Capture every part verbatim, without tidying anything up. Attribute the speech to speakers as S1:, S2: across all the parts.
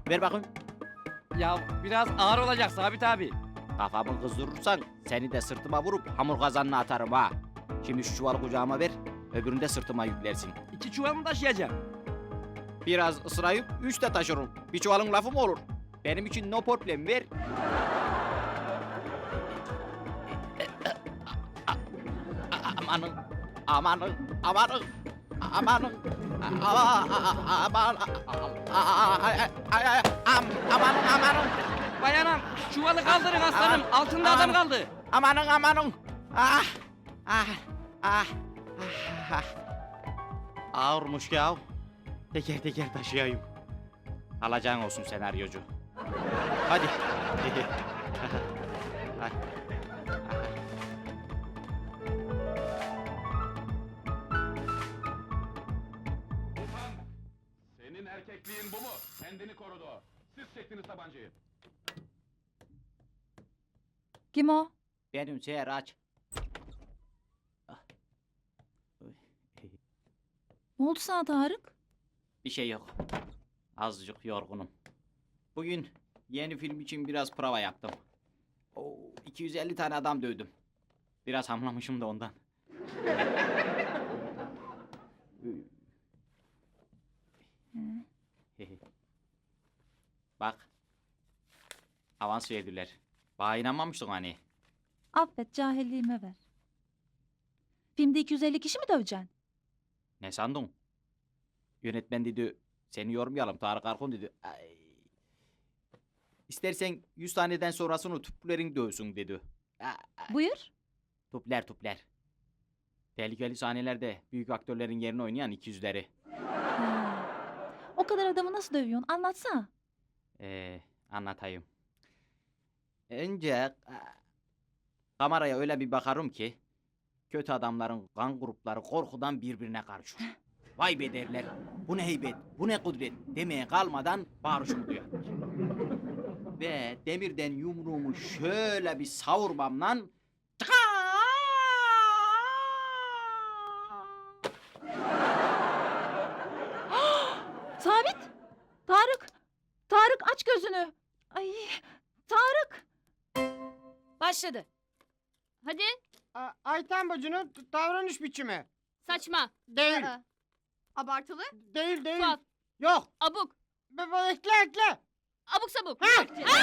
S1: Ver bakayım.
S2: Ya biraz ağır olacak Sabit abi.
S1: Kafamı kızdırırsan seni de sırtıma vurup hamur kazanına atarım ha. Şimdi şu çuvalı kucağıma ver, öbürünü de sırtıma yüklersin.
S2: İki çuval mı taşıyacağım?
S1: Biraz ısırayıp üç de taşırım. Bir çuvalın lafı mı olur? Benim için no problem, ver. Amanın, amanın, amanın, amanın, aman, amanın, amanın,
S2: Bayanam çuvalı kaldırın aslanım. Altında adam kaldı.
S1: amanın, amanın. Ah, ah, ah, ah. Ağırmış ya. Teker teker taşıyayım. Alacağın olsun senaryocu. Hadi.
S3: Tufan! Senin erkekliğin bu mu? Kendini korudu o. Siz çektiniz tabancayı.
S4: Kim o?
S1: Benim Seher aç.
S4: Ne oldu sana Tarık?
S1: Bir şey yok. Azıcık yorgunum. Bugün yeni film için biraz prova yaptım. Oo, iki yüz elli tane adam dövdüm. Biraz hamlamışım da ondan. Bak. Avans verdiler. Bana inanmamıştın hani.
S4: Affet, cahilliğime ver. Filmde iki yüz elli kişi mi döveceksin?
S1: Ne sandın? Yönetmen dedi, seni yormayalım Tarık Arkun dedi. Ay. İstersen yüz taneden sonrasını tüplerin dövsün dedi. Ay.
S4: Buyur.
S1: Tupler tupler. Tehlikeli sahnelerde büyük aktörlerin yerini oynayan iki yüzleri.
S4: Ha. O kadar adamı nasıl dövüyorsun? Anlatsana.
S1: Ee, anlatayım. Önce e, kameraya öyle bir bakarım ki kötü adamların kan grupları korkudan birbirine karışır. Vay be derler. Bu ne heybet, bu ne kudret demeye kalmadan bağırışımı duyar. Ve demirden yumruğumu şöyle bir savurmamla
S4: Sabit! Tarık! Tarık aç gözünü! Ay! Tarık!
S5: Başladı. Hadi.
S6: A- Ayten bacının t- davranış biçimi.
S5: Saçma.
S6: Değil.
S5: Aa, Abartılı.
S6: Değil değil.
S5: Tuhaf.
S6: Yok.
S5: Abuk.
S6: Be- be- ekle ekle.
S5: Abuk sabuk.
S6: Ha!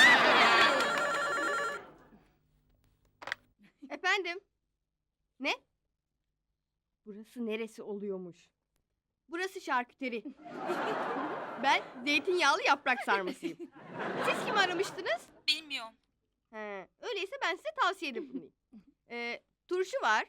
S7: Efendim? Ne? Burası neresi oluyormuş? Burası şarküteri. Ben zeytinyağlı yaprak sarmasıyım. Siz kimi aramıştınız?
S5: Bilmiyorum.
S7: He, öyleyse ben size tavsiyede bulunayım. Ee, turşu var.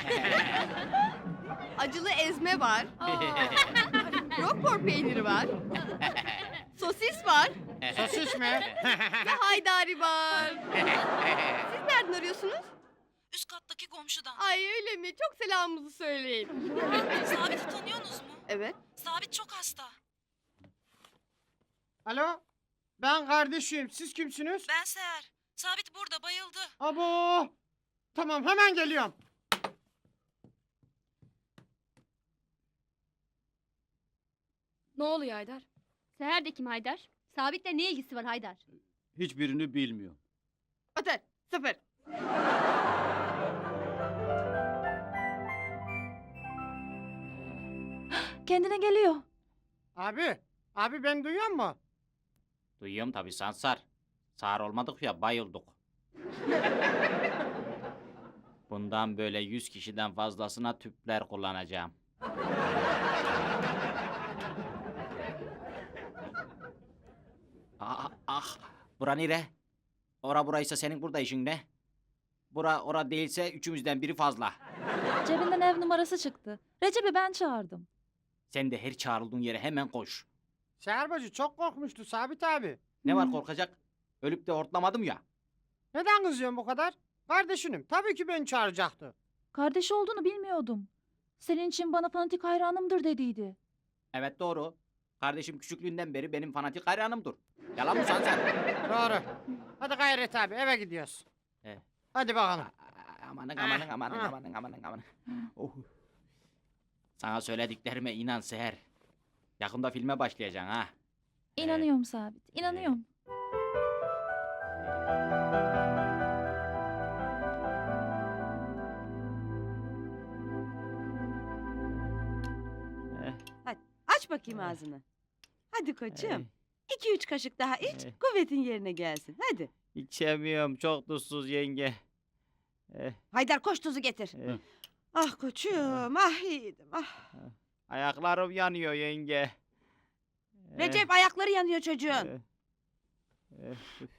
S7: Acılı ezme var. Roquefort peyniri var. Sosis var.
S6: Sosis mi?
S7: Ve haydari var. Siz nereden arıyorsunuz?
S8: Üst kattaki komşudan.
S7: Ay öyle mi? Çok selamımızı söyleyin.
S8: Sabit'i tanıyorsunuz mu?
S7: Evet.
S8: Sabit çok hasta.
S6: Alo. Ben kardeşim. Siz kimsiniz?
S8: Ben Seher. Sabit burada bayıldı.
S6: Abo. Tamam hemen geliyorum.
S5: Ne oluyor Haydar?
S7: Seher de kim Haydar? Sabit'le ne ilgisi var Haydar?
S1: hiçbirini bilmiyorum.
S7: Otur. Sıfır.
S4: Kendine geliyor.
S6: Abi. Abi beni duyuyor mu?
S1: Duyuyorum tabii Sansar. Sağır olmadık ya bayıldık. Bundan böyle yüz kişiden fazlasına tüpler kullanacağım. Ah, ah, bura nere? Ora buraysa senin burada işin ne? Bura ora değilse üçümüzden biri fazla.
S4: Cebinden ev numarası çıktı. Recep'i ben çağırdım.
S1: Sen de her çağrıldığın yere hemen koş.
S6: Seher bacı çok korkmuştu Sabit abi.
S1: Ne var
S4: Hmm.
S1: korkacak? Ölüp de hortlamadım ya.
S6: Neden kızıyorsun bu kadar? Kardeşinim. Tabii ki beni çağıracaktı.
S4: Kardeşi olduğunu bilmiyordum. Senin için bana fanatik hayranımdır dediydi.
S1: Evet doğru. Kardeşim küçüklüğünden beri benim fanatik hayranımdır. Yalan mı Sansar?
S6: Doğru. Hadi gayret abi eve gidiyoruz.
S1: He.
S6: Hadi bakalım.
S1: Aa, Amanın amanın amanın
S6: Ah.
S1: amanın amanın amanın. Oh. Sana söylediklerime inan Seher. Yakında filme başlayacaksın ha.
S4: İnanıyorum Sabit. İnanıyorum.
S9: Aç bakayım ağzını. Hadi koçum. İki üç kaşık daha iç,
S1: Eh.
S9: kuvvetin yerine gelsin. Hadi.
S1: İçemiyorum, çok tuzsuz yenge. Eh,
S9: Haydar koş tuzu getir.
S1: eh,
S9: Ah koçum, ah yiğidim, ah.
S1: ayaklarım yanıyor yenge. Eh,
S9: Recep ayakları yanıyor çocuğun.
S1: eh, eh,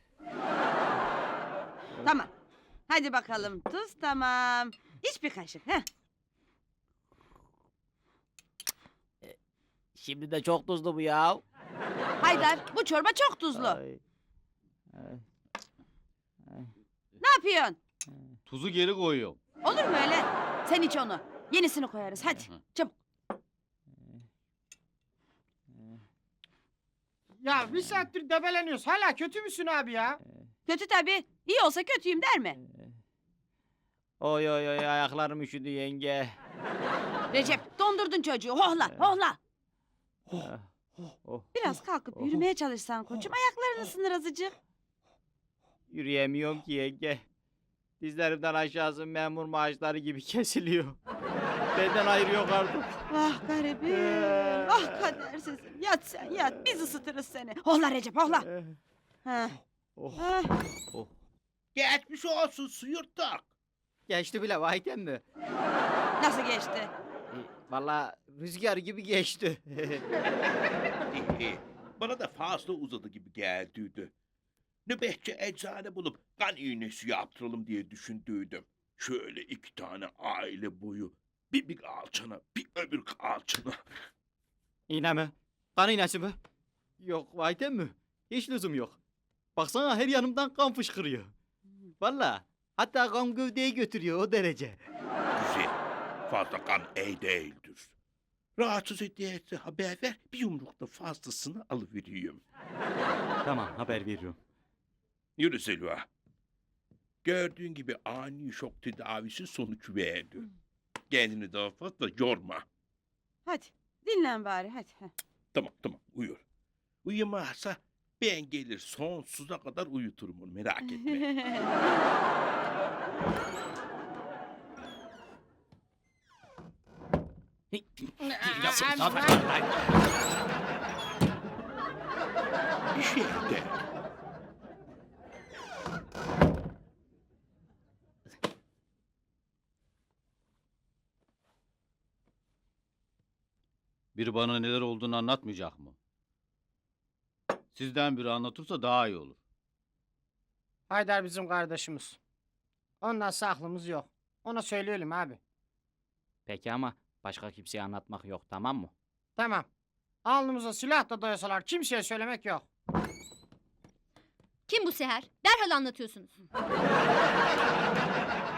S9: Tamam. Hadi bakalım tuz tamam. İç bir kaşık. Heh.
S1: Şimdi de çok tuzlu bu ya.
S9: Haydar bu çorba çok tuzlu.
S1: Ay, ay,
S9: Ne yapıyorsun?
S3: Tuzu geri koyuyorum.
S9: Olur mu öyle? Sen iç onu. Yenisini koyarız hadi. Çabuk.
S6: Ya bir saattir debeleniyoruz. Hala kötü müsün abi ya?
S9: Kötü tabii. İyi olsa kötüyüm der mi?
S1: Oy oy oy, ayaklarım üşüdü yenge.
S9: Recep dondurdun çocuğu. Hohla hohla.
S1: Ah, oh,
S9: Biraz kalkıp
S1: Oh.
S9: yürümeye çalışsan koçum. Ayakların ısınır azıcık.
S1: yürüyemiyorum ki yenge. Dizlerimden aşağısı memur maaşları gibi kesiliyor. Benden ayırıyor artık.
S9: Ah garibim. Ah kadersizim. Yat sen yat. Biz ısıtırız seni. Hohla Recep hohla.
S1: Eh,
S9: Ha.
S1: oh,
S9: Ah.
S1: oh.
S10: Geçmiş olsun suyurttuk.
S1: Geçti bile vahiden mi?
S9: Nasıl geçti?
S1: E, Valla rüzgar gibi geçti.
S10: İyi, bana da fazla uzadı gibi geldiydi. Nöbetçi eczane bulup kan iğnesi yaptıralım diye düşündüydüm. Şöyle iki tane aile boyu. Bir bir alçana, bir öbür alçana.
S1: İğne mi? Kan iğnesi mi? Yok vahiden mi? Hiç lüzum yok. Baksana her yanımdan kan fışkırıyor. Valla hatta kan gövdeyi götürüyor o derece.
S10: Güzel. Fazla kan iyi değildir. Rahatsız ediyorsa haber ver, bir yumrukta fazlasını alıvereyim.
S1: Tamam haber veriyorum.
S10: Yürü Selva. Gördüğün gibi ani şok tedavisi sonuç verdi. Kendini daha fazla yorma.
S9: Hadi dinlen bari hadi. Heh.
S10: Tamam tamam uyur. Uyumazsa ben gelir sonsuza kadar uyuturum onu merak etme. Bir şey de.
S3: Biri bana neler olduğunu anlatmayacak mı? Sizden biri anlatırsa daha iyi olur.
S6: Haydar bizim kardeşimiz. Ondan aklımız yok. Ona söyleyelim abi.
S1: Peki ama başka kimseye anlatmak yok tamam mı?
S6: Tamam. Alnımıza silah da dayasalar kimseye söylemek yok.
S5: Kim bu Seher? Derhal anlatıyorsunuz.